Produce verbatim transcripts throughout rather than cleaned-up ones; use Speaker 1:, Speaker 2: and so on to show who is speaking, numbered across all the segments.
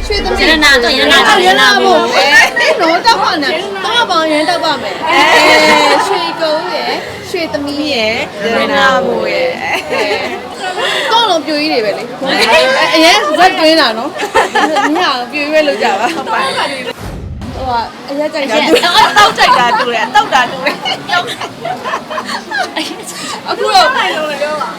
Speaker 1: ရွှေသမီးရနာတော့ရနာတော့ရနာမို့နော်တောက်ပါနဲ့တောက်ပါရင်တောက်ပါမယ်အဲရွှေကုန်းရယ်ရွှေသမီးရယ်ရနာမို့ရယ်တော့လုံးပြူကြီးတွေပဲလေအရင်ဇက်တွင်းတာနော်ညပြူကြီးပဲလုပ်ကြပါဟုတ်ပါဟိုကအရက်ကြိုက်တာတောက်ကြိုက်တာတူတယ်တောက်တာတူတယ်အခုတော့နိုင်လုံးလည်းပြောပါ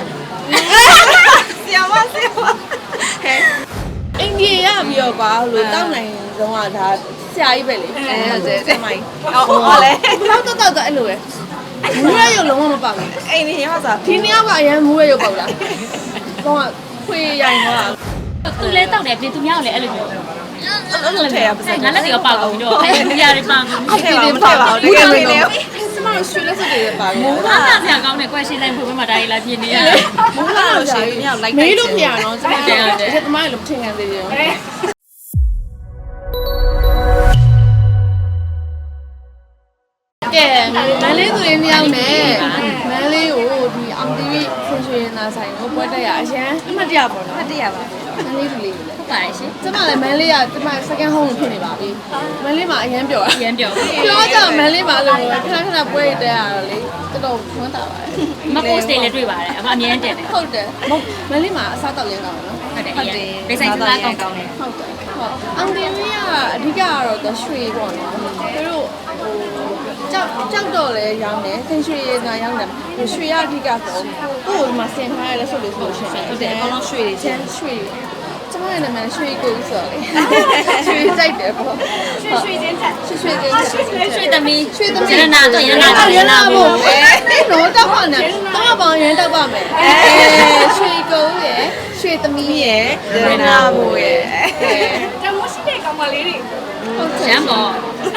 Speaker 1: ဆရာမဆရာမဟဲ့အိန္ဒိယရပြီးတော့ကွာလို့တောက်နိုင်ဆုံးကဒါဆရာကြီးပဲလေအဲဟုတ်တယ်ဆမိုင်းဟုတ်လေဘယ်တော့တောက်တော့အဲ့လိုပဲမူးရရုပ်လုံးဝမပေါက်ဘူးအိန္ဒိယကစားဒီနေ့ကအရင်မူးရရုပ်ပေါက်လားကောင်းကခွေရိုင်သွား
Speaker 2: သူလဲတောက်တယ်ပြင်သူများလည်းအဲ့လိုမျိုးအဲ့လိုထည့်ရပါစငါလက်တွေကပေါက်ကုန်ပြီးတော့အဲ့ဒီနေရာတွေပေါက်ကုန်
Speaker 1: ပြီးအဲ့ဒီပေါက်ပါဘူးတကယ်လို့စမရွှေလက်စတွေပါဘူး
Speaker 2: အားသာဆရာကောင်းတဲ့ question တိုင်းဖွင့်မှာဒါကြီးလာပြင်နေရတယ်
Speaker 1: မူးလာလို့ရှိရင်မြောက်လိုက်မေးလို့ပြရအောင်စမတယ်အဲ့ဒါမှလည်းမထင်ခံသေးဘူးကဲမန်လေးသူလေးနှစ်ယောက်နဲ့မန်လေးကိုဒီအောင်တီဗီဆင်ရွှေနာဆိုင်ကိုပွဲတက်ရအရန်အမှတ်တရပေါ့နော်အမှတ်တရပါမန်လေးသူလေး
Speaker 2: ဟုတ်ပါရဲ့ရှင်
Speaker 1: ကျမလည်းမန်လေးကကျမ second home ဖြစ်နေပါပြီမန်လေးမှာအရန်ပျော်
Speaker 2: အရန်ပျော်
Speaker 1: ပြောကြမန်လေးမှာလို့ခဏခဏပွဲတက်ရတော့လေတော်တော်ဝမ်းသာပါတယ်
Speaker 2: မ post တွေလည်းတွေ့ပါတယ်အမအမြဲတမ်းတယ်
Speaker 1: ဟုတ်တယ်မန်လေးမှာအစားတောက်လင်းကောင်းနော်
Speaker 2: ဟုတ်တယ်ဟုတ်တယ်ဒေဆိုင်စားကောင်းကောင်းတယ်
Speaker 1: ဟုတ်တယ်ဟုတ်အောင်တီဗီကအဓိကကတော့သူရွှေပေါ့နော်သူတို့ဟိုကြောက်ကြောက်တော့လဲရောင်းတယ်ဆင်ရွှေရနာရောင်းတယ်ရွှေရအဓိကပေါ့ကိုယ်ကမှဆင်ထားရလဲဆိုလို့ဆိုရှင်
Speaker 2: ဟုတ်တယ်အကောင်လုံးရွှေတွေ
Speaker 1: ချင်းရွှေကျမရဲ့နာမည်ရွှေကိုဆိုလေရွှေကြိုက်တယ်ပေါ့
Speaker 2: ရွှေရွှေချင်းတက်
Speaker 1: ရွှေရွှေချင်း
Speaker 2: ရွှေသမီး
Speaker 1: ရွှေသမီး
Speaker 2: ရနာတော့ရနာ
Speaker 1: တော့ရနာမို့နော်တောက်ပါနဲ့တောက်ပါရင်တောက်ပါမယ်အဲရွှေကုန်းရယ်ရွှေသမီးရယ်ရနာမို့ရယ်
Speaker 2: တမိုးရှိတဲ့ကောင်မလေးတွေရမ်းပေါ့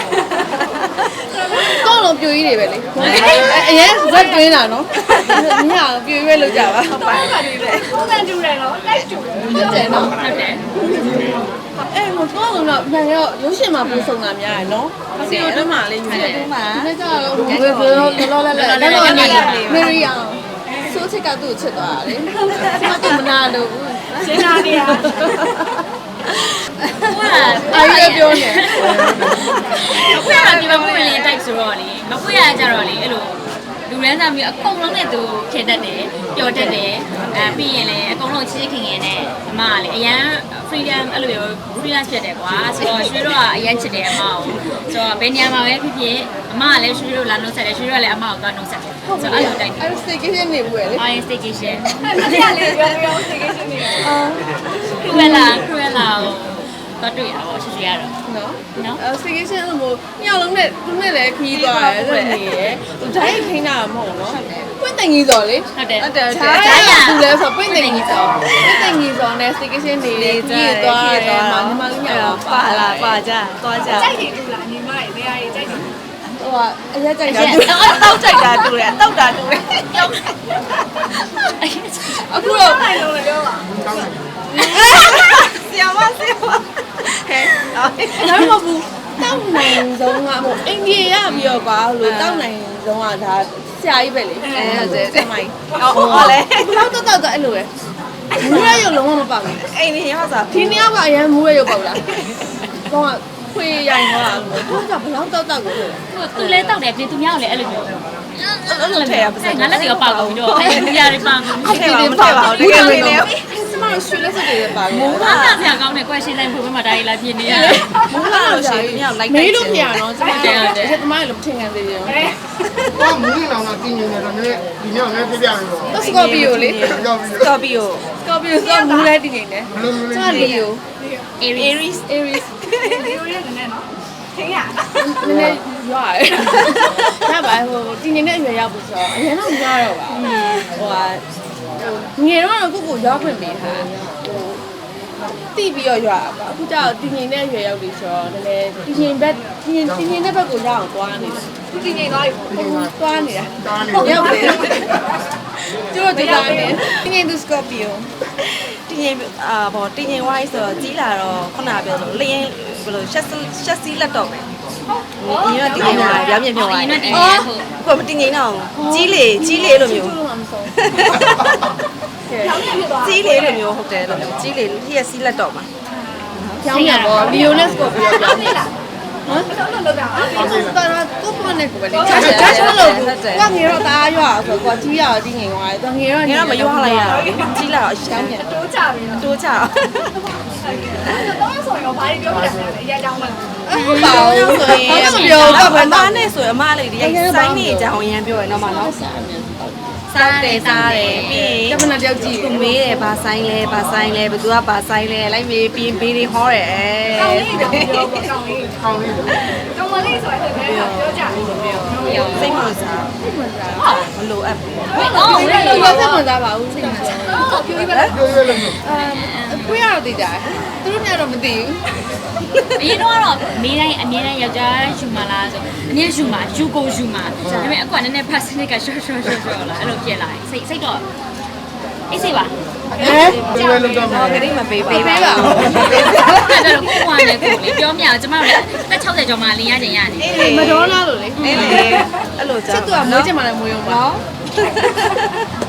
Speaker 1: တော့လုံးပြူကြီးတွေပဲလေအရင်ဇက်တွင်းတာနော်ညပြူကြီးပဲလုပ်ကြပါဟုတ်ပါ
Speaker 2: ပုံစံတူတယ်နော်လိုက်တူ
Speaker 1: ဟုတ်တယ်နော်ဟုတ်တယ်အဲ့ဟိုတော့တော့မှန်ရောရုပ်ရှင်မှာပုံစုံတာများရယ်နော်စီရိုတွင်းမှာလေးယူတယ်ဒီနေ့ကျတော့ဘယ်ဘယ်လောလောလဲလဲလောလောနေမေရီယာဆိုချစ်ကသူ့ချစ်သွားတာလေကျမကမနာလို့
Speaker 2: ရှင်းတာနေရ
Speaker 1: အားရပြောနေ
Speaker 2: မပွေရဒီမှာပွေရင် type ဆိုတော့လေမပွေရကြတော့လေအဲ့လိုလူရန်သားမျိုးအကုန်လုံးနဲ့သူထည့်တတ်တယ်ပျော်တတ်တယ်အဲပြီးရင်လည်းအကုန်လုံးချစ်ခင်ခင်နဲ့အမကလေအရန် freedom အဲ့လိုမျိုး freelance ဖြစ်တယ်ကွာဆိုတော့ရွှေတို့ကအရန်ချစ်တယ်အမကိုဆိုတော့ဘယ်နေရာမှာပဲဖြစ်ဖြစ်အမကလည်းရွှေတို့လာနှုတ်ဆက်တယ်ရွှေတို့ကလည်းအမကိုသွားနှုတ်ဆက်တယ်ဆိုတော့အဲ့လိုတိုက်တယ်
Speaker 1: အဲ့ staycation နေဘူးလေ
Speaker 2: အာ staycation အဲ့ဒါလေးပြောပြော staycation နေအာခရလာခရလာတော့တွေ့ရပါရှိရှိရတော့
Speaker 1: နော်နော်အဲ staycation လို့မို့ညောင်လုံးနဲ့သူနဲ့လည်းခီးသွားတယ်ဆိုနေရယ်သူဓာတ်ခိန်းတာမဟုတ်နော်ပွင့်တင်ကြီးစော်လေ
Speaker 2: ဟုတ်တယ်
Speaker 1: ဟုတ်တယ်ဓာတ်သူလည်းဆိုပွင့်တင်ကြီးစော်ပွင့်တင်ကြီးစော်နဲ့ staycation နေကြီးသွားတယ်မောင်ညီမလေးညောင်ပါလာပါကြသွားကြ
Speaker 2: ကြိုက်တယ်တူလားညီမရဲ့နေရာကြီးကြိုက်တယ်
Speaker 1: ဟိုကအရက်ကြိုက်တာတောက်ကြိုက်တာတူတယ်တောက်တာတူတယ်အခုတော့
Speaker 2: နိုင်လုံးလည်းပြောပါ
Speaker 1: ဆရာမဆရာမဟဲ့အဲ့ဒါမဟုတ်ဘူးတောက်နိုင်ဆုံးကဟိုအိန္ဒိယရပြီးတော့ကွာလို့တောက်နိုင်ဆုံးကဒါဆရာကြီးပဲလေအဲဟုတ်တယ်ဆမိုင်းဟုတ်လေတောက်တော့တောက်တော့အဲ့လိုပဲမူးရရုပ်လုံးဝမပေါက်ဘူးအိန္ဒိယကစားဒီနေ့ကအရင်မူးရရုပ်ပေါက်လားကောင်းကခွေရိုင်သွားတော့ကဘလောက်တောက်တောက်ကို
Speaker 2: သူလဲတောက်တယ်ပြင်သူများလည်းအဲ့လိုမျိုးအဲ့လိုထည့်ရပါစငါလက်တွေကပေါက်ကုန်ပြီးတော့အဲ့ဒီနေရာတွေပေါက်ကုန်
Speaker 1: အဲ့ဒီတွေပေါက်အောင်တကယ်လို့စမရွှေလက်စတွေပါဘူး
Speaker 2: အားသာဆရာကောင်းတဲ့ question တိုင်းဖွင့်မှာဒါကြီးလာပြင်နေရတယ်
Speaker 1: မူးလာလို့ရှိရင်မြောက်လိုက်မေးလို့ပြရအောင်ကျမတယ်အဲ့ဒါမှလည်းမထင်ခံသေးဘူး
Speaker 3: ဘာမူးလောင်တာတင်းနေတယ်တော့လည်းဒီမြောက်လည်းပြပြရတော့
Speaker 1: စကော်ပီယိုလေစကော်ပီယိုစကော်ပီယိုဆိုမူးလဲတင်းနေတယ်ကျမလီယို
Speaker 2: Aries
Speaker 1: Aries
Speaker 2: ဒီလိုရနေနော်ထင်ရ
Speaker 1: နည်းနည်းရွာတယ်ဒါပါဟိုတင်းနေတဲ့အရွယ်ရောက်ပြီဆိုတော့အရင်တော့မရွာတော့ပါဟိုကငယ်တော့ကိုကိုရွာခွင့်ပေးတာဟိုတိပြီးတော့ရွာပါအခုကျတော့တင်းနေတဲ့အရွယ်ရောက်ပြီဆိုတော့နည်းနည်းတင်းနေဘက်တင်းတင်းနေတဲ့ဘက်ကိုရအောင်သွားနေတယ်
Speaker 2: သူတင်းနေသွားပြီ
Speaker 1: သွားနေတာရောက်ပြီကျတော့ဒီတိုင်းနေတင်းနေစကော်ပီယို
Speaker 4: တင်းရင်အာဘောတင်းရင်ဝိုင်းဆိုတော့ကြီးလာတော့ခုနပြောလို့လျင်ဘယ်လိုရှက်ရှက်စီးလက်တော့ပဲဒီတော့တင်းရင်ဝိုင်းပြောင်းမြင်မြင်ဝိုင်း
Speaker 2: အော်
Speaker 4: ကိုမတင်းရင်တော့ကြီးလေကြီးလေလိုမျိုးကြီးလေလိုမျိုးဟုတ်တယ်လို့ကြီးလေလျက်စီးလက်တော့မှာ
Speaker 1: ပြောင်းပြန်ပေါ့လီယိုနက်စ်ကိုပြောင်းပြန်နေတာဟမ်တော့လောက်တာအဲ့ဒါကိုပွန်နဲ့ကိုပဲလေချာချာချာလို့ကိုငေတော့တားရွာဆိုကိုကြီးရတော့ကြီးငင်သွားတယ်သူငေတော့
Speaker 4: ငါတော့မရွာလိုက်ရတော့ကြီးလာတော့အရှမ်းပြန်
Speaker 5: တိုးကြပြီနော်
Speaker 4: တိုးချ
Speaker 5: တော့ဆိုရင်ဘာတွေပြောပြတယ်လဲအရာကြောင်းမလား
Speaker 1: ဟုတ်ပါဘူးဆိုရင်မပြောတော့ဘယ်
Speaker 4: အမ
Speaker 1: တော့
Speaker 4: နဲ့ဆိုအမလေးဒီစိုင်းနေကြအောင်ရမ်းပြောရတော့မနော်စားတယ်စားတယ်ပြီး
Speaker 1: ကမ္ဘာတယောက်ကြည့်
Speaker 4: သူမေးတယ်ဘာဆိုင်လဲဘာဆိုင်လဲဘသူကဘာဆိုင်လဲလိုက်မေးပြီးဘေးတွေဟောတယ်အဲ
Speaker 5: ကောင်းလေးတော့ပြောပေါ့ကောင်းလေး
Speaker 3: ကောင်းလေး
Speaker 5: ကောင်းမလေးဆိုရင်လည်းပြောကြတယ်ပြော
Speaker 4: စိတ်ဝင်စား
Speaker 1: စိတ်ဝင်စား
Speaker 4: မလိုအပ်ဘူး
Speaker 2: ဟဲ့တော့
Speaker 1: စိတ်ဝင်စားစိတ်ဝင်စားပါဘူးစိတ်ဝင်စား
Speaker 5: တော့ပြောပြပါ
Speaker 3: ပြောရလို့
Speaker 1: အဲကိုရတော့သိကြတယ်သူတို့များတော့မသိဘူး
Speaker 2: အရင်တော့ကတော့မေးတိုင်းအမြဲတမ်းယောက်ျားယူမလားဆိုအမြဲယူမှာယူကိုယူမှာဒါပေမဲ့အခုကနည်းနည်း percentage က short short short short လာအဲ့လိုဖြစ်လာတယ်စိတ်စိတ်တော့အေးစိတ်ပါ
Speaker 1: အဲ
Speaker 3: ပြောရလို့တော့
Speaker 4: တော့ခရီးမပေးပါ
Speaker 1: ပေးပေးပါဦး
Speaker 2: အဲ့တော့ကိုကွာနေကိုလေပြောမြအောင်ကျမတို့လည်းတက်၆၀ကျော်မှလင်းရခြင်းရတယ်
Speaker 1: မဒေါနာလို့လေ
Speaker 4: အေးလေအဲ့လိုကြော
Speaker 1: စစ်သူကမွေးချင်မှလည်းမွေးအောင်ပါ
Speaker 4: နော်